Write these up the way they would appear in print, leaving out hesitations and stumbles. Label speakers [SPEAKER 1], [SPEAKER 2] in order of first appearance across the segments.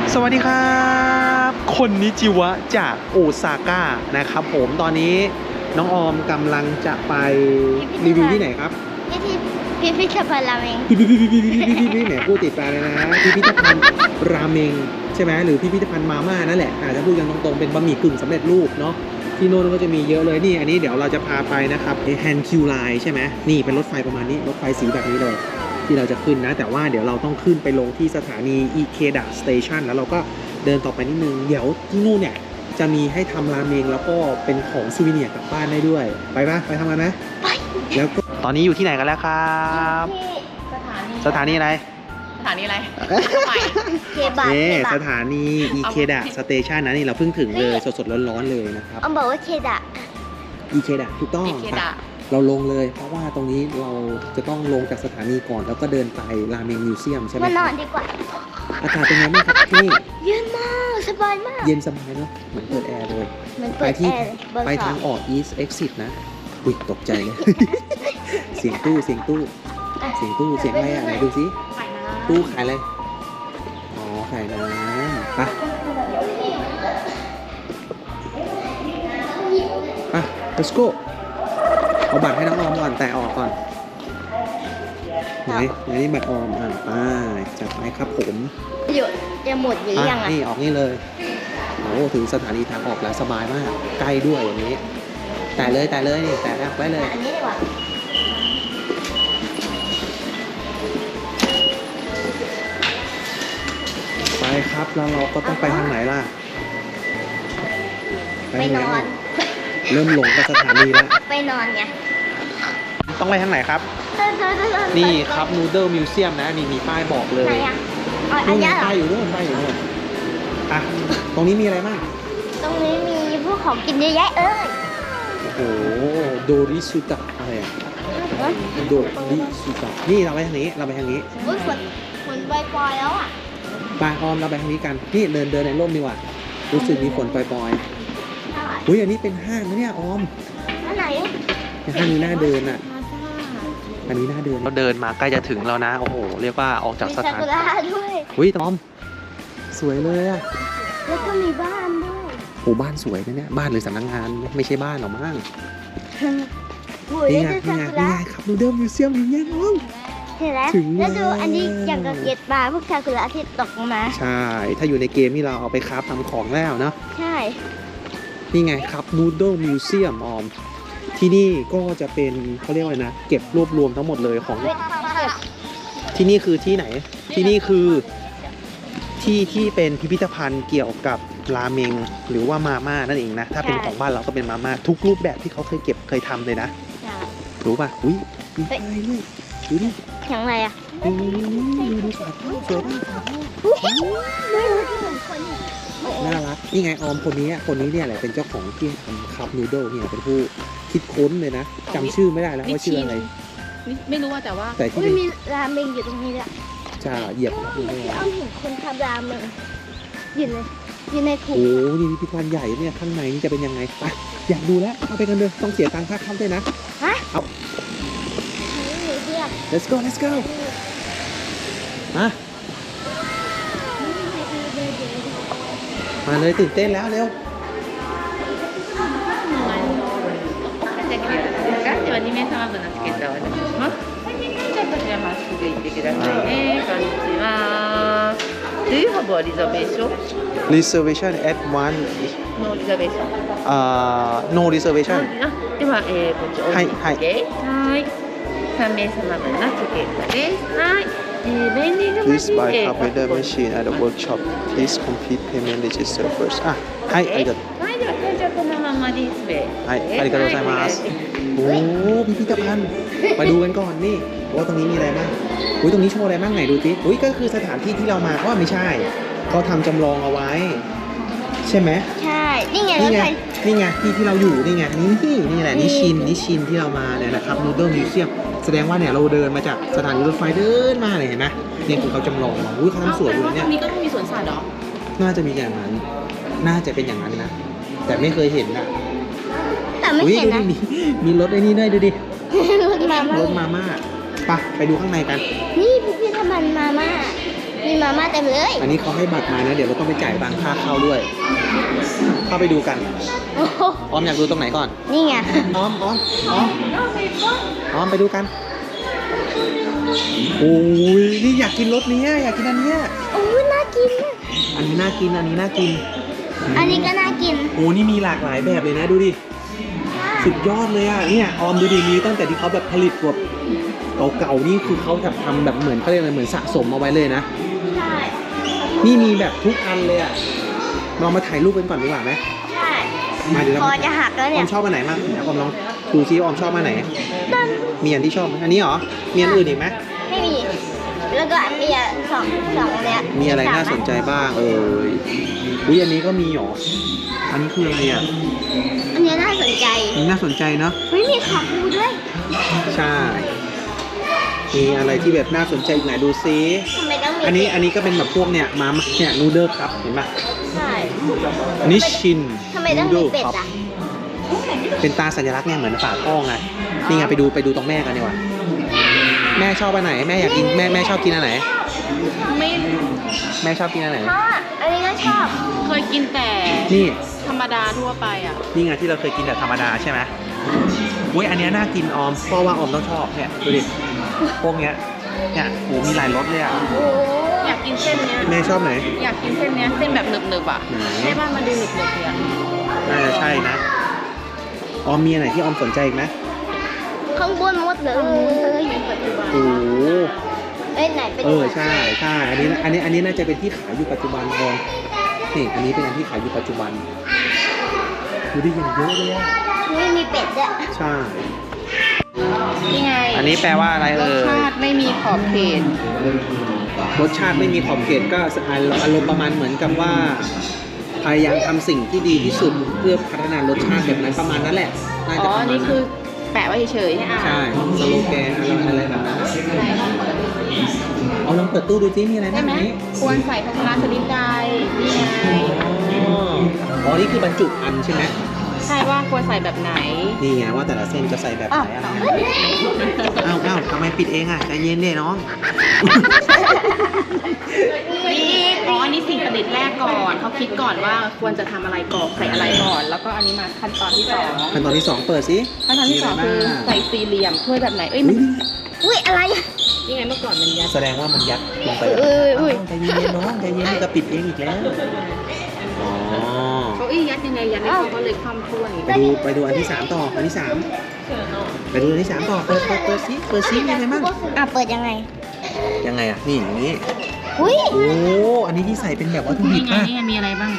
[SPEAKER 1] สวัสดีครับคนนิจิวะจากโอซาก้านะครับผมตอนนี้น้องออมกำลังจะไปรีวิวที่ไหนครับ
[SPEAKER 2] พิพิธภัณฑ์ราเมง
[SPEAKER 1] พี่แหมพูดติดปากเลยนะพิพิธภัณฑ์ราเมงใช่ไหมหรือพิพิธภัณฑ์มาม่านั่นแหละอาจจะพูดกันตรงๆเป็นบะหมี่กึ่งสำเร็จรูปเนาะที่โน่นก็จะมีเยอะเลยนี่อันนี้เดี๋ยวเราจะพาไปนะครับแฮนคิวไลน์ใช่ไหมนี่เป็นรถไฟประมาณนี้รถไฟสีแบบนี้เลยที่เราจะขึ้นนะแต่ว่าเดี๋ยวเราต้องขึ้นไปลงที่สถานีอิเคดะสเตชันแล้วเราก็เดินต่อไปนิดนึงเดี๋ยวที่นู่นเนี่ยจะมีให้ทำราเมงแล้วก็เป็นของซูวิเนียร์กลับบ้านได้ด้วยไปปะไปทำกันไหมไปแล้วก็ตอนนี้อยู่ที่ไหนกันแล้วครับสถานีอะไร
[SPEAKER 2] เคบับ
[SPEAKER 1] นี่สถานีอิเคดะสเตชันนะนี่เราเพิ่งถึงเลยสดๆร้อนๆเลยนะครับ
[SPEAKER 2] ออมบอกว่าเคดะ
[SPEAKER 1] อิเคดะถูกต้องเราลงเลยเพราะว่าตรงนี้เราจะต้องลงจากสถานีก่อนแล้วก็เดินไปราเมงมิวเซียมใช่ไหม
[SPEAKER 2] มานอนดีกว่า
[SPEAKER 1] อากาศเป็นไงบ้างครับที่นี่
[SPEAKER 2] เย็นมากสบายมาก
[SPEAKER 1] เย็นสบายเนาะเหมือนเปิดแอร์เลยไปทางออก East Exit นะอุ๊ยตกใจเลย เสียงตู้เสียงอะไรอ่ะไหนดูสิตู้ขายอะไรอ๋อขายน้ำไปlet's go เอาบัตรให้น้องออมก่อนแต่ออกก่อนไหนนี่บัตรออมไปจัดไปครับผม
[SPEAKER 2] หยุดจะหมดหรือยังอ่ะ
[SPEAKER 1] นี่ออกนี่เลยโอ้ถึงสถานีทางออกแล้วสบายมากใกล้ด้วยอย่างนี้แต่เลยนี่แต่แรกไว้เลย
[SPEAKER 2] อันนี้ดีกว่า
[SPEAKER 1] ไปครับแล้วเราก็ต้องไปทางไหนล่ะ
[SPEAKER 2] ไปนอน
[SPEAKER 1] เริ่มหลงกับสถานีแล้ว
[SPEAKER 2] ไปนอนไง
[SPEAKER 1] ต้องไปทางไหนครับนี่ครับนูเดิลมิวเซียมนะนี่มีป้ายบอกเลย
[SPEAKER 2] ไหนอ่ะ
[SPEAKER 1] นู่นป้ายอยู่นู่นอ่ะตรงนี้มีอะไรบ้าง
[SPEAKER 2] ตรงนี้มีพวกของกินเยอะแยะ
[SPEAKER 1] โอ้โหโดริสุตะอะไรอ่ะโดริสุตะนี่เราไปทางนี้
[SPEAKER 2] อุ้ยฝนปล่อยแล้วอ่ะ
[SPEAKER 1] ปออมเราไปทางนี้กันนี่เดินในร่มดีกว่ารู้สึกมีฝนปล่อยๆอุ้ยอันนี้เป็นห้างนะเนี่ยออม
[SPEAKER 2] อันไหน
[SPEAKER 1] ห้างนี้น่าเดินอ่ะอันนี้น่าเดินเราเดินมาใกล้จะถึงแล้วนะโอ้โหเรียกว่าออกจากสถาน
[SPEAKER 2] ด้วย
[SPEAKER 1] อุ้ยออมสวยเลยอ่ะ
[SPEAKER 2] แล้วก็มีบ้านด้วย
[SPEAKER 1] โอ้บ้านสวยนะเนี่ยบ้านหรือสำนักงานไม่ใช่บ้านหรอกมั้งนี่ไงครับนูเดิลมิวเซียมอย่างเงี้ยน้อง
[SPEAKER 2] เห็นแล้วแล้วดูอันนี้อย่างกับเก็บปลาพวกซากุระที่ตกมา
[SPEAKER 1] ใช่ถ้าอยู่ในเกมนี่เราเอาไปคราฟทำของแล้วเนาะ
[SPEAKER 2] ใช่
[SPEAKER 1] นี่ไงครับนูเดิลมิวเซียมออมที่นี่ก็จะเป็นเขาเรียกว่านะเก็บรวบรวมทั้งหมดเลยของที่นี่คือที่ไหนที่นี่คือที่เป็นพิพิธภัณฑ์เกี่ยวกับราเมงหรือว่ามาม่านั่นเองนะถ้าเป็นของบ้านเราก็เป็นมาม่าทุกรูปแบบที่เขาเคยทำเลยนะรู้ป่ะอุ้ยมีอะไรเลยดูดิ
[SPEAKER 2] อย่างไรอ่ะ
[SPEAKER 1] ดูสวยสวยมากน่ารักนี่ไงออมคนนี้เนี่ยแหละเป็นเจ้าของที่ทำคัพนูโดลเนี่ยเป็นผู้คิดค้นเลยนะจำชื่อไม่ได้แล้วว่าชื่ออะไร
[SPEAKER 3] ไม่รู้ว่าแต่
[SPEAKER 2] ที่มีราเมงอยู่ตรงนี้แหละ
[SPEAKER 1] จะเหยียบดูได้
[SPEAKER 2] เอาเห็นคนทำราเมงอยู่ในถุง
[SPEAKER 1] โอ้นี่พิพิธภัณฑ์ใหญ่เนี่ยข้างในนี่จะเป็นยังไงไปอยากดูแล้วเอาไปกันเลยต้องเสียตังค่าเข้าด้วยนะเอา let's go มาเลยตื่นเต้นแล้วเร็ว
[SPEAKER 3] では2名様分のチケットをお渡しします。じゃあこちらまっすぐ行ってくださいね。こんにちは。Do you have a reservation?
[SPEAKER 1] Reservation at one.
[SPEAKER 3] No reservation.
[SPEAKER 1] No reservation.
[SPEAKER 3] ではこっちおいて。はい。3名様分のチケットです。はい。
[SPEAKER 1] Please buy calculator machine at the workshop. Please complete payment register first. はいありがとう。
[SPEAKER 3] はいでは会場このままディスプレイ。
[SPEAKER 1] はいありがとうございます。โอ้พิพิธภัณฑ์มาดูกันก่อนนี่ว่าตรงนี้มีอะไรบ้างอุ้ยตรงนี้โชว์อะไรบ้างไหนดูสิอุ้ยก็คือสถานที่ที่เรามาเพราะว่าไม่ใช่เขาทำจำลองเอาไว้ใช่ไหม
[SPEAKER 2] ใช่นี่ไง
[SPEAKER 1] ที่เราอยู่นี่ไงนี่แหละนิชินที่เรามาเนี่ยนะครับนูเดิลมิวเซียมแสดงว่าเนี่ยเราเดินมาจากสถานีรถไฟเดินมาเลยเห็นไหมเนี่ยคือเขาจำลองมาอุ้ยเขาทำสวยดูเนี่ย
[SPEAKER 3] ตรงนี้ก็ต้องมีสวนสัตว์หรอ
[SPEAKER 1] น่าจะมีอย่างนั้นน่าจะเป็นอย่างนั้นนะแต่ไม่เคยเห็นนะ
[SPEAKER 2] แต่ไม่เห็นนะ
[SPEAKER 1] มีรถไอ้นี่ด้วยดูดิ
[SPEAKER 2] รถมาม่า
[SPEAKER 1] ไปดูข้างในกัน
[SPEAKER 2] นี่พิพิธภัณฑ์มาม่ามีมาม่าเต็มเลย
[SPEAKER 1] อันนี้เขาให้บัตรมานะ เดี๋ยวเราต้องไปจ่ายตังค่าเข้าด้วย เข้าไปดูกัน
[SPEAKER 2] โอ้โห
[SPEAKER 1] ออมอยากดูตรงไหนก่อน
[SPEAKER 2] นี่ไง
[SPEAKER 1] ออมไปดูกันโอ้ยนี่อยากกินรสเนี้ยอยากกินอันเนี้ย
[SPEAKER 2] โอ้ยน่ากิน
[SPEAKER 1] อันนี้น่ากินอันนี้น่ากิน
[SPEAKER 2] อันนี้ก็น่ากิน
[SPEAKER 1] โอ้นี่มีหลากหลายแบบเลยนะดูดิสุดยอดเลยอ่ะเนี่ยออมดูดิมีตั้งแต่ที่เขาแบบผลิตแบบเก่าๆนี่คือเขาจะทำแบบเหมือนเขาเรียกอะไรเหมือนสะสมเอาไว้เลยนะ
[SPEAKER 2] ใช่
[SPEAKER 1] นี่มีแบบทุกอันเลยอ่ะเรามาถ่ายรูปกันก่อนดีกว่าไหม
[SPEAKER 2] ใช่
[SPEAKER 1] มาเดี๋ยว
[SPEAKER 2] ค
[SPEAKER 1] เรา
[SPEAKER 2] อจะหักแล้ว
[SPEAKER 1] อ
[SPEAKER 2] เนี่
[SPEAKER 1] อย มชอบอันไหนมากเดี๋ยวออมลองดูซิว่าออมชอบอันไหน มีอันที่ชอบไหมอันนี้เหรอ มีอันอื่นอีกไหม
[SPEAKER 2] ไม่มี แล้วก็มีสองเนี่ย
[SPEAKER 1] มีอะไรน่าสนใจบ้างอุ้ยอันนี้ก็มีเหรอ อันนี้คืออะไรอ่ะ
[SPEAKER 2] อันนี้น่าสนใจ
[SPEAKER 1] อันนี้น่าสนใจเนาะ
[SPEAKER 2] เฮ้ยมีขาปูด้วย
[SPEAKER 1] ใช่ มีอะไรที่แบบน่าสนใจอีกไหนดูซิ
[SPEAKER 2] ทำไมต้องมี
[SPEAKER 1] อันนี้ก็เป็นแบบพวกเนี่ยมาเนี่ยนูเดิลครับเห็นปะ
[SPEAKER 2] ใช่
[SPEAKER 1] อันนี้ชิน
[SPEAKER 2] ทำไมต้องมีเป็ดอ่ะ
[SPEAKER 1] เป็นตาสัญลักษณ์เนี่ยเหมือนฝาท่อไง นี่ไงไปดูตรงแม่กันดีกว่า แม่ชอบอันไหน แม่อยากกินแม่ชอบกินอันไหน
[SPEAKER 3] ไม่
[SPEAKER 1] แม่ชอบกินอันไหน
[SPEAKER 2] พ่ออันนี้ก็ชอบ
[SPEAKER 3] เคยกินแต่
[SPEAKER 1] นี่
[SPEAKER 3] ธรรมดาทั่วไปอ่ะ
[SPEAKER 1] นี่ไงที่เราเคยกินแบบธรรมดาใช่ไหมอุ้ยอันเนี้ยน่ากินออมเพราะว่าออมต้องชอบเนี่ยดูดิพวกเนี้ยเนี่ยโหมีหลายรสเลยอ่ะ
[SPEAKER 2] โอ้
[SPEAKER 3] อยากกินเส้นเนี้ย
[SPEAKER 1] แม่ชอบไหน
[SPEAKER 3] อยากกินเส้นเนี้ยเส้นแบบหนึบๆอ่ะ
[SPEAKER 1] ไหน
[SPEAKER 3] ใช่ป่ะมันดูหนึบๆเลยอ่ะ
[SPEAKER 1] น่าจะใช่นะออมมีอันไหนที่ออมสนใจอีกไหม
[SPEAKER 2] ข้างบนหมดเลย
[SPEAKER 3] ปัจจุบัน
[SPEAKER 1] โอ้โห
[SPEAKER 2] เอ้ยไหนเป็น
[SPEAKER 1] ใช่อันนี้น่าจะเป็นที่ขายอยู่ปัจจุบันออมนี่อันนี้เป็นอันที่ขายอยู่ปัจจุบันดูดิอย่างเยอะเลยอ่ะ
[SPEAKER 2] ไม่มีเป็ดด้วย
[SPEAKER 1] ใช่
[SPEAKER 3] นี่ไง
[SPEAKER 1] อันนี้แปลว่าอะไร
[SPEAKER 3] รสชาติไม่มีขอบเขต
[SPEAKER 1] รสชาติไม่มีขอบเขตก็อารมณ์ประมาณเหมือนกับว่าพยายามทำสิ่งที่ดีที่สุดเพื่อพัฒนารสชาติแบบนั้นประมาณนั้นแหละน่า
[SPEAKER 3] อ๋
[SPEAKER 1] จะ
[SPEAKER 3] อ
[SPEAKER 1] ประมาณ
[SPEAKER 3] นี่
[SPEAKER 1] นั้
[SPEAKER 3] คือน แปะไว้เฉยๆให้อ่าน
[SPEAKER 1] ใช่สโลแกนอะไรแบบนั้น
[SPEAKER 3] ใช่
[SPEAKER 1] เอาลองเปิดตู้ดูซิมีอะไร
[SPEAKER 3] ใช่
[SPEAKER 1] บ้าง
[SPEAKER 3] ไหม
[SPEAKER 1] นี้
[SPEAKER 3] ควรใส่ภาชนะชนิดใดนี่ไง
[SPEAKER 1] อ๋อนี่คือบรรจุอันใช่ไหม
[SPEAKER 3] ใช่ว่าควรใส่แบบไหน
[SPEAKER 1] นี่ไงว่าแต่ละเส้นจะใส่แบบไหนอะไรอ้าวทำไมปิดเองอ่ะใจเย็นดิน้อง
[SPEAKER 3] นี่อ๋ออันนี้สิ่งประดิษฐ์แรกก่อนเขาคิดก่อนว่าควรจะทำอะไรก่อนใส่อะไรก่อน แล้วก็อันนี้มาขั้นตอนที่สอง
[SPEAKER 1] ขั้นตอนที่2เปิดสิ
[SPEAKER 3] ขั้นตอนที่สองคือใส่สี่เหลี่ยมถ้วยแบบไหนเอ้ยมัน
[SPEAKER 2] อุ้ยอะไร
[SPEAKER 3] นี่ไงเมื่อก่อนมันยัด
[SPEAKER 1] แสดงว่ามันยัดลงไป
[SPEAKER 2] อุ้ย
[SPEAKER 1] ใจเย็นน้องใจเย็นจะปิดเองอีกแล้วอ๋อ
[SPEAKER 3] เขายัดยังไงยัดในเขาก็เลยคว่ำถ้วย
[SPEAKER 1] ไปดูอันที่3ต่ออันที่3ไปดูอันที่3ต่อเปิดซิมีอะไรบ้าง
[SPEAKER 2] อ่ะเปิดยังไง
[SPEAKER 1] ยังไงอ่ะนี่อย่างนี้
[SPEAKER 2] อุ้ย
[SPEAKER 1] โอ้อันนี้ที่ใส่เป็นแบบวัตถุดิ
[SPEAKER 3] นี่
[SPEAKER 1] บ
[SPEAKER 3] ไง
[SPEAKER 1] ป่ะ
[SPEAKER 3] นี่ไงมีอะไรบ้าง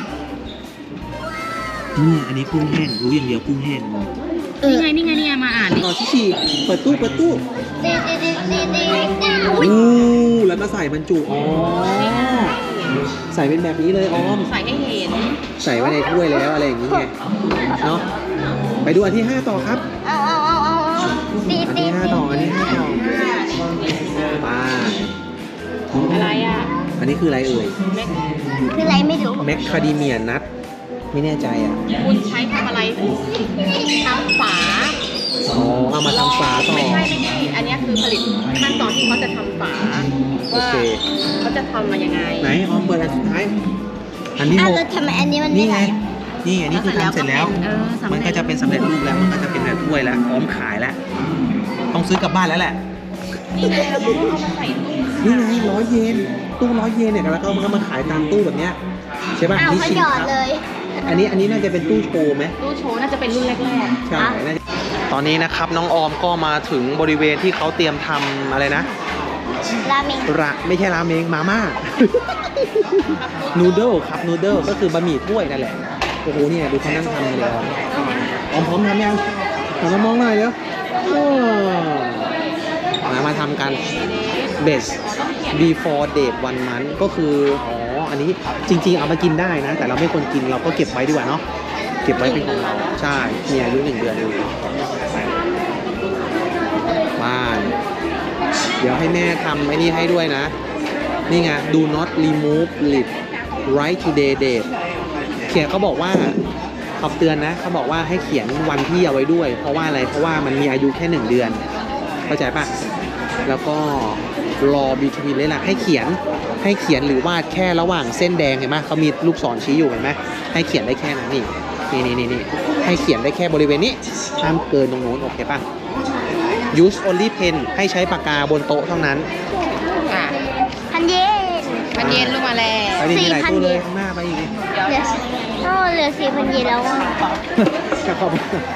[SPEAKER 1] นี่อันนี้กุ้งแห้งรู้อย่างเดียวกุ้งแห้ง
[SPEAKER 3] นี่ไงมาอ่านดิ
[SPEAKER 1] ต่อที่สี่เปิดตู้
[SPEAKER 2] ดี
[SPEAKER 1] อู้แล้วก็ใส่บรรจุอ๋อใส่เป็นแบบนี้เลยออม
[SPEAKER 3] ใส่ให้เห็น
[SPEAKER 1] ใส่ไว้ในถ้วยแล้วอะไรอย่างนี้ไงเนาะไปดูอันที่5ต่อครับ
[SPEAKER 2] เอาตี
[SPEAKER 1] อันที่5ต่อไป
[SPEAKER 3] อะไรอ่ะ
[SPEAKER 1] อันนี้คืออะไรเอ่ย
[SPEAKER 3] แม็ก
[SPEAKER 2] คืออะไรไม่รู้
[SPEAKER 1] แมคคาเดเมียนัทไม่แน่ใจอ่ะ
[SPEAKER 3] คุณใช้ทำอะไรทำฝา
[SPEAKER 1] อ๋อเอามาทำฝาต่อ
[SPEAKER 3] ไม่ใช่อันนี้คือผลิตขั้นตอนที่เขาจะทำฝา
[SPEAKER 1] โอ
[SPEAKER 3] ว่า
[SPEAKER 1] เค
[SPEAKER 3] เขาจะทำมายังไง
[SPEAKER 1] ไหนออมเปิดอันสุดท้ายอันที่
[SPEAKER 2] อ้าว
[SPEAKER 1] 6
[SPEAKER 2] แล้วทำไมอันนี้มัน
[SPEAKER 1] นี่
[SPEAKER 2] ไม่
[SPEAKER 1] ไง
[SPEAKER 2] ไหล
[SPEAKER 1] นี่อันนี้คือทำเสร็จแล้ว
[SPEAKER 3] สำเร็จ
[SPEAKER 1] มันก็จะเป็นสำเร็จรูปแล้ว มันก็จะเป็นแบบถ้วยแล้ว พร้อมขายแล้ว ต้องซื้อกลับบ้านแล้วแหละ
[SPEAKER 3] นี่ไงเราก็เอามาใส่ตู้
[SPEAKER 1] นี่ไง100 เยน ตู้100 เยนเนี่ยแล้วก็มันก็มาขายตามตู้แบบเนี้ยใช่ป่ะ
[SPEAKER 2] อ้าว
[SPEAKER 1] นี่
[SPEAKER 2] เขา
[SPEAKER 1] ชิน
[SPEAKER 2] หยอด
[SPEAKER 1] ครับ
[SPEAKER 2] เลย
[SPEAKER 1] อันนี้น่าจะเป็นตู้โชว์ไหม
[SPEAKER 3] ตู้โชว์น่าจะเป็นรุ่นแรก
[SPEAKER 1] ใช่น่าจะตอนนี้นะครับน้องออมก็มาถึงบริเวณที่เขาเตรียมทำอะไรนะ
[SPEAKER 2] ราเมง
[SPEAKER 1] ไม่ใช่ราเมงมาม่า นูเดิลครับนูเดิลก็คือบะหมี่ถ้วยนั่นแหละ โอ้โหเนี่ยดูเขานั่งทำเลยออมพร้อมทำยังหันมามองหน่อยเดี๋ยวมาทำกัน best before date 1 month ก็คืออ๋ออันนี้จริงๆเอามากินได้นะ แต่เราไม่ควรกินเราก็เก็บไว้ดีกว่าเนาะเก็บไว้เป็นของเราใช่มีอายุ1 เดือนอยู่บ้านเดี๋ยวให้แม่ทำไอ้นี่ให้ด้วยนะ นี่ไง do not remove lid write today date เขียนเขาบอกว่าเขาเตือนนะเขาบอกว่าให้เขียนวันที่เอาไว้ด้วย เพราะว่าอะไรเพราะว่ามันมีอายุแค่1 เดือนเข้าใจปะแล้วก็รอ between เลยล่ะให้เขียนให้เขียนหรือวาดแค่ระหว่างเส้นแดงเห็นไหมเขามีลูกศรชี้อยู่เห็นไหมให้เขียนได้แค่นั้นนี่ให้เขียนได้แค่บริเวณนี้ห้ามเกินตรงนู้นโอเคป่ะ use only pen ให้ใช้ปากกาบนโต๊ะเท่านั้น
[SPEAKER 3] อ่ะ
[SPEAKER 2] พันเยน
[SPEAKER 3] 1,000 เยนลงมาแล้ว
[SPEAKER 1] ไปดิมีหลายตู้เลยข้างหน้าไปอีกดิ
[SPEAKER 2] เหลือเหลือ4,000 เยนแล้วอ่ะ
[SPEAKER 1] จะขอบ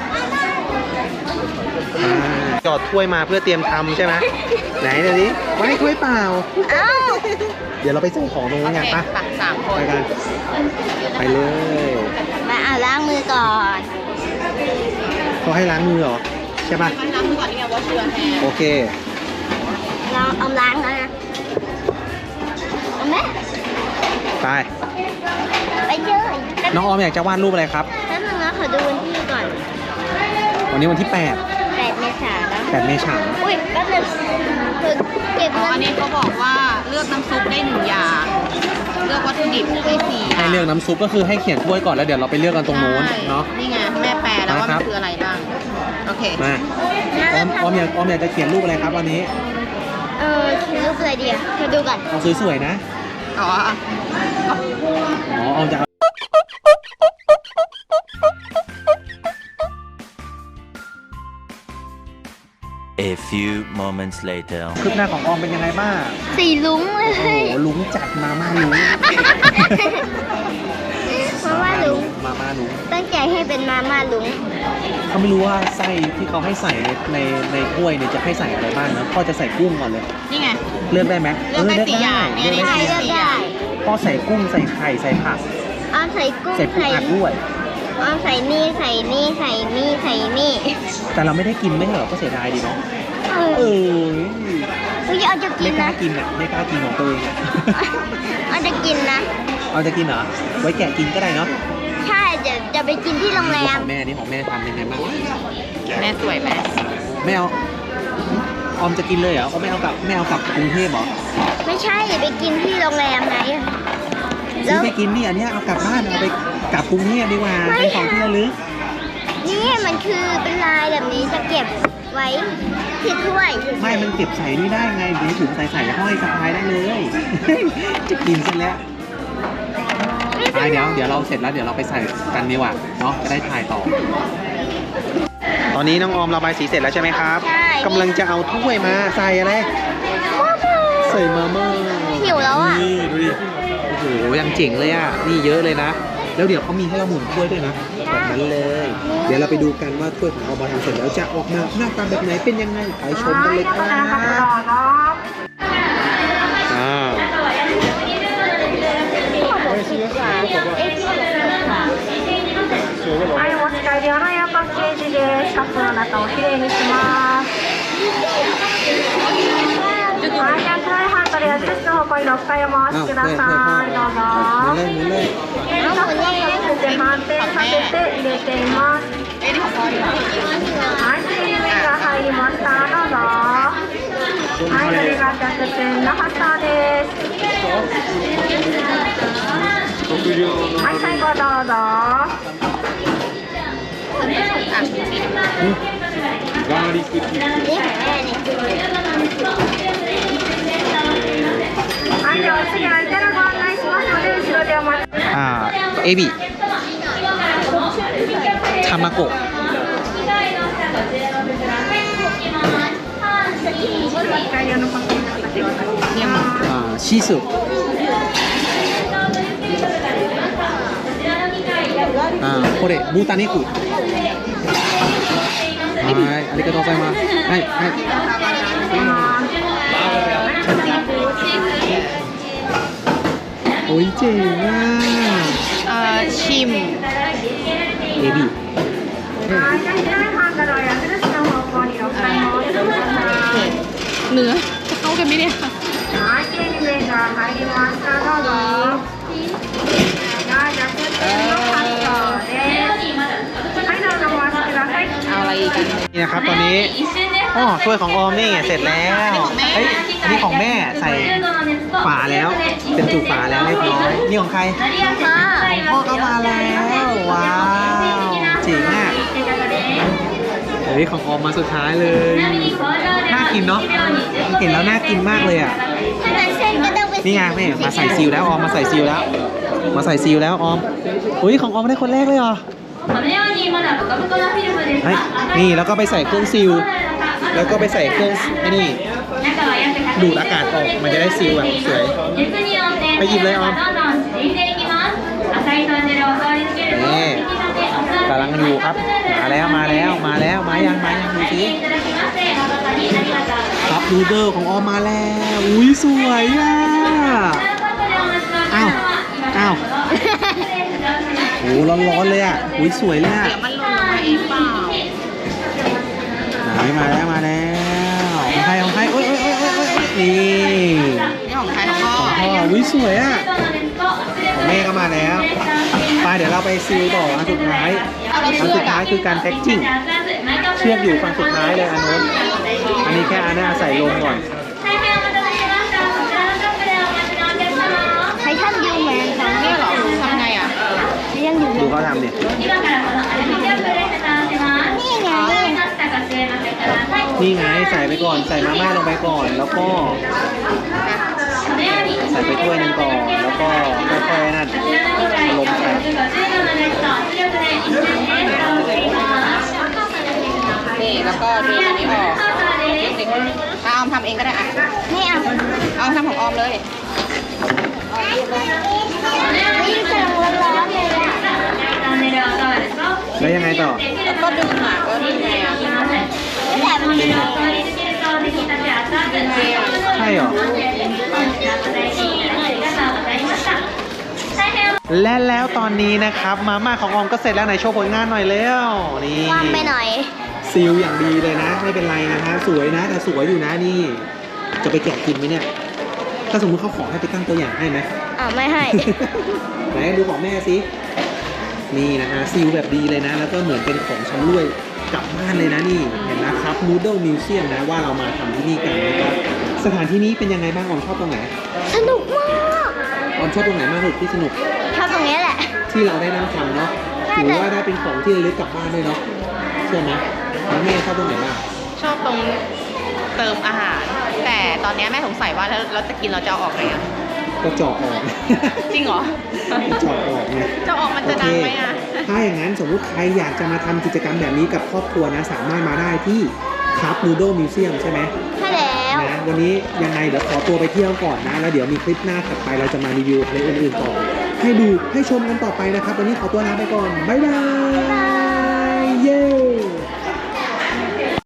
[SPEAKER 1] จอดถ้วยมาเพื่อเตรียมทำใช่ไหมไหนเดี๋ยวนี้ไว้ถ้วยเปล่า
[SPEAKER 2] เอ้า
[SPEAKER 1] เดี๋ยวเราไปใส่ของตรง
[SPEAKER 3] โอ
[SPEAKER 1] นู้น
[SPEAKER 3] เค
[SPEAKER 1] กันปะ
[SPEAKER 3] ไป3 คน
[SPEAKER 1] ไปกันไปเลย
[SPEAKER 2] มาล้างมือก่อน
[SPEAKER 1] เขาให้ล้างมือเหรอใช่ปะ
[SPEAKER 3] ล้างมือก่อนนี่ไงว่าเชื้อแฮร์
[SPEAKER 1] โอเค
[SPEAKER 2] เราเอาล้างแล้วนะเอาไหม
[SPEAKER 1] ไป
[SPEAKER 2] ไปเจอ
[SPEAKER 1] น้องออมอยากจะวาดรูปอะไรครับ
[SPEAKER 2] แป๊บนึงนะขอดูวันที่ก่อน
[SPEAKER 1] วันนี้วันที่
[SPEAKER 2] 8 เมษายนแล้ว
[SPEAKER 1] 8เมษายน
[SPEAKER 2] อุ้ยแป๊บนึงคือเก็บ
[SPEAKER 3] อ๋อ
[SPEAKER 2] เงิ
[SPEAKER 3] อัน
[SPEAKER 2] น
[SPEAKER 3] นี้เขาบอกว่าเลือกน้ำซุปได้1 อย่าง เลือกวัตถุดิบได้4
[SPEAKER 1] ให้เลือกน้ำซุปก็คือให้เขียนถ้วยก่อนแล้วเดี๋ยวเราไปเลือกกันตรงนู้นเนาะ
[SPEAKER 3] นี่ไงแม่แปลแล้วว่า
[SPEAKER 1] ครั
[SPEAKER 3] มัน
[SPEAKER 1] บ
[SPEAKER 3] คืออะไรบ้าง โอเค
[SPEAKER 1] มาออมอยากจะเขียนรูปอะไรครับวันนี้
[SPEAKER 2] เขียนรูปอะไรดีอะมาดูก่อน
[SPEAKER 1] เอาสวยๆนะ
[SPEAKER 3] อ๋อ
[SPEAKER 1] อ๋อออมจะเอา
[SPEAKER 4] A few moments later.
[SPEAKER 1] คืบหน้าของออมเป็นยังไงบ้าง
[SPEAKER 2] สีลุ้งเล
[SPEAKER 1] โอ้
[SPEAKER 2] ย
[SPEAKER 1] โหลุงจัดมาม่าลุง
[SPEAKER 2] มาม่าลุง
[SPEAKER 1] มาม่าลุง
[SPEAKER 2] ตั้งใจให้เป็นมาม่าลุง
[SPEAKER 1] เขาไม่รู้ว่าไส้ที่เขาให้ใส่ในถ้วยเนี่ยจะให้ใส่อะไรบ้างนะพ่อจะใส่กุ้งก่อนเลย
[SPEAKER 3] นี่ไง
[SPEAKER 1] เลือกได้ไหม
[SPEAKER 3] เลือกได้4 อย่าง
[SPEAKER 1] เลือกได้
[SPEAKER 2] ใช่
[SPEAKER 1] 4
[SPEAKER 2] ก็ได้
[SPEAKER 1] พ่อใส่กุ้งใส่ไข่ใส่ผัก
[SPEAKER 2] เอาใส่กุ้ง
[SPEAKER 1] ใส่ปูอัดด้วย
[SPEAKER 2] เอาใส่นี่ใส่นี่ใส่นี่ใส่นี่
[SPEAKER 1] แต่เราไม่ได้กินไม่ใช่เหรอก็เสียดายดีเนาะ
[SPEAKER 2] เอ
[SPEAKER 1] เอ
[SPEAKER 2] อ
[SPEAKER 1] อ
[SPEAKER 2] เฮ้ยเอาจะกิ
[SPEAKER 1] ไม่
[SPEAKER 2] น
[SPEAKER 1] กล้า
[SPEAKER 2] นะ
[SPEAKER 1] กินอ่ะไม่กล้ากินของตัวเองอะ
[SPEAKER 2] เอาจะกินนะ
[SPEAKER 1] เอาจะกินเหรอไว้แกะกินก็ได้เนาะ
[SPEAKER 2] ใช่จะไปกินที่โรงแร
[SPEAKER 1] ข
[SPEAKER 2] ม
[SPEAKER 1] องแม่นี่ของแม่ทำเป็นไงบ้าง
[SPEAKER 3] แม่สวยไหม
[SPEAKER 1] ไม่เอาออมจะกินเลยเหรอเขาไม่เอากลับกรุงเทพเหรอ
[SPEAKER 2] ไม่ใช่ไปกินที่โรงแรมไง
[SPEAKER 1] ซื้อไปกินนี่อันเนี้ยเอากลับบ้านเอาไปกลับกรุงเทพดีกว่าเป็นของที่ระลึก
[SPEAKER 2] นี่มันคือเป็นลายแบบนี้จะเก็บไว้ที่ถ้วย
[SPEAKER 1] ไม่มันเก็บใส่นี่ได้ไงเดี๋ยวถุงใส่ห้อยสะพายได้เลย จะกินซะแล้วไปเดี๋ยวเราเสร็จแล้วเดี๋ยวเราไปใส่กันดีกว่าเนาะจะได้ถ่ายต่อ ตอนนี้น้องออมระบายสีเสร็จแล้วใช่ไหมครับ
[SPEAKER 2] ใช่
[SPEAKER 1] กำลังจะเอาถ้วยมาใส่อะไรใส่มาม่า
[SPEAKER 2] หิวแล้วอ่ะ
[SPEAKER 1] นี่ดูดิโอ้โหยังเจ๋งเลยอ่ะนี่เยอะเลยนะแล้วเดี๋ยวเขามีให้เราหมุนถ้วยด้วยนะแบบนั้นเลย เดี๋ยวเราไปดูกันว่าถ้วยของออมทำเสร็จแล้วจะออกมาหน้าตาแบบไหนเป็นยังไงไปชมกันเลยครับอ่า
[SPEAKER 5] はい、お持ち帰り用のエアパッケージです。カップの中をきれいにします。はい、じゃあ黒いハンドル矢印の方向に6回お回しください。どうぞ。
[SPEAKER 1] หมุนเลย
[SPEAKER 2] เอาหมุนยังไง
[SPEAKER 5] そして反転させて入れています。
[SPEAKER 3] เอ้ยนี่ของพ่อดีกว่า
[SPEAKER 5] はい、切り目が入りました。どうぞ。はい、これがジャスペンの発射です。はい、最後どうぞ。
[SPEAKER 3] อ่ะสี
[SPEAKER 2] นี่ของแม่นี่
[SPEAKER 5] はい、では次はイタラご案内しますので、後ろでお待ち。
[SPEAKER 1] เอบิทามาโกะ
[SPEAKER 5] 帰り用のパッケージの方でお願いします。
[SPEAKER 3] เนี่ยมัน
[SPEAKER 1] ชิซุこれブータネクはいありがとうございますはいโอ้ยเจ๋งอ่ะ
[SPEAKER 3] ชิม
[SPEAKER 1] เอบิ
[SPEAKER 5] はい、じゃあ左ハンドルを矢印の方向に6回回してください。
[SPEAKER 3] เนื้อจะเข้ากันไหมเนี่ย
[SPEAKER 5] はい、切り目が入りました。どうぞ。はい、じゃあスープの発送です。はい、どうぞお待ちください。
[SPEAKER 3] เอาอะไรอีกกัน
[SPEAKER 1] นี่นะครับตอนนี้อ๋อถ้วยของออมนี่เสร็จแล้วเฮ้ยอันนี้ของแม่ใส่ฝาแล้วเป็นจุกฝาแล้วเรียบร้อยนี่ของใครพ่อก็มาแล้วว้าวเจ๋งอ่ะเฮ้ยของออมมาสุดท้ายเลยน่ากินเนาะเห็นแล้วน่ากินมากเลยอ่ะ
[SPEAKER 2] ถ้ามันเส้นก็ต้องเป็น
[SPEAKER 1] นี่ไงแม่มาใส่ซีลแล้วออมมาใส่ซีลแล้ว มาใส่ซีลแล้วออมอุ้ยของออมได้คนแรกเลยเหรอ
[SPEAKER 3] このようにまだブカブカなフィルムです
[SPEAKER 1] เฮ้ย
[SPEAKER 3] が
[SPEAKER 1] นี่แล้วก็ไปใส่เครื่องซีลแล้วก็ไปใส่เครื่องไอ้นี่
[SPEAKER 3] 中は約100
[SPEAKER 1] ดูดอากาศออกมันจะได้ซีลแบบสวย
[SPEAKER 3] 熱によって
[SPEAKER 1] ไปหยิบเลยออม
[SPEAKER 3] どんどん縮んでいきます赤いトンネルを通り過ぎると
[SPEAKER 1] นี่
[SPEAKER 3] 引き立てお座り
[SPEAKER 1] กำลังอยู่ครับ มาแล้วมาแล้วมาแล้วมายังดูสิ
[SPEAKER 3] いただきまして誠にありがとうございます
[SPEAKER 1] ครับนูเดิลของออมมาแล้วอุ้ยสวยอ่ะ อ้าวอ้าว โอ้ร้อนๆเลยอ่ะอุ้ยสวยเลยอ่ะ
[SPEAKER 3] มันหล่นลงมาเองเปล่า
[SPEAKER 1] ไหนมาแล้วของใครโอ้ยนี่
[SPEAKER 3] นี่ของใครของพ่อ
[SPEAKER 1] ของพ่ออุ้ยสวยอ่ะของแม่ก็มาแล้วไปเดี๋ยวเราไปซีลต่ออันสุดท้ายคือการแพ็กจิ้งเชือกอยู่ฝั่งสุดท้ายเลยอันนู้นอันนี้แค่อันนี้ใส่ลงก่อน
[SPEAKER 2] ไททันยูแมนค่ะ
[SPEAKER 3] เนี่ยเหรอทำไงอ่ะ
[SPEAKER 2] ไททันยูแม
[SPEAKER 1] ดู
[SPEAKER 2] น
[SPEAKER 1] เขาทำดิ
[SPEAKER 2] นี่ไง
[SPEAKER 1] นี่ไงใส่ไปก่อนใส่มาม่าลงไปก่อน แล้วก็ใส่ไปถ้วยหนึงก่อนแล้วก็ค่อยๆนั่นลงใส่
[SPEAKER 3] นี่แล้วก็ดึงอันนี้ออกถ้าออมทำเองก็ได้อ่ะ
[SPEAKER 2] ไม่เอา
[SPEAKER 3] เอาทำของออมเลย
[SPEAKER 2] นี่กำลังร้อนๆเลยอะ
[SPEAKER 1] แล้วยังไงต่อ
[SPEAKER 3] แล้วก็ดึงอ่ะก็ดึงไงอ่ะ
[SPEAKER 2] แต่มัน
[SPEAKER 1] ใช่เหรอ และแล้วตอนนี้นะครับมาม่าของออมก็เสร็จแล้วไหนโชว์ผลงานหน่อยเร็วนี่
[SPEAKER 2] วางไปหน่อย
[SPEAKER 1] ซีลอย่างดีเลยนะ ไม่เป็นไรนะฮะสวยนะแต่สวยอยู่นะนี่ จะไปแกะกินไหมเนี่ย ถ้าสมมติเขาขอให้ไปตั้งตัวอย่างให้ไหม
[SPEAKER 2] ไม่ให้
[SPEAKER 1] ไหนดูของแม่สินี่นะฮะซีลแบบดีเลยนะ แล้วก็เหมือนเป็นของชำร่วยกลับบ้านเลยนะนี่เห็นนะครับ Noodle Museum นะว่าเรามาทำที่นี่กันนะครับสถานที่นี้เป็นยังไงบ้างออมชอบตรงไหน
[SPEAKER 2] สนุกมาก
[SPEAKER 1] ออมชอบตรงไหนมากที่สุดที่สนุก
[SPEAKER 2] ชอบตรงนี้แหละ
[SPEAKER 1] ที่เราได้นั่งทำเนาะ
[SPEAKER 2] ใช่
[SPEAKER 1] ถือว่าได้เป็นของที่ระลึกกลับบ้านด้วยเนาะใช่ไหมแล้วแม่ชอบตรงไหนบ้าง
[SPEAKER 3] ชอบตรงเติมอาหาร แต่ตอนนี้แม่สงสัยว่าแล้วเราจะกินเราจะเอาออกไงอ่ะ
[SPEAKER 1] ก็เจาะออก
[SPEAKER 3] จริงเหรอ
[SPEAKER 1] เจาะออกไง
[SPEAKER 3] จะออกมันจะดังไหมอ่ะ
[SPEAKER 1] ถ้าอย่างนั้นสมมุติใครอยากจะมาทำกิจกรรมแบบนี้กับครอบครัวนะ สามารถมาได้ที่ครับนูโดมิวเซียมใช่ไหม
[SPEAKER 2] ใช่แล้ว
[SPEAKER 1] นะวันนี้ยังไงเดี๋ยวขอตัวไปเที่ยวก่อนนะ แล้วเดี๋ยวมีคลิปหน้าถัดไปเราจะมารีวิวอะไรอื่นๆต่อ ให้ดูให้ชมกันต่อไปนะครับ วันนี้ขอตัวลาไปก่อน บ๊ายบาย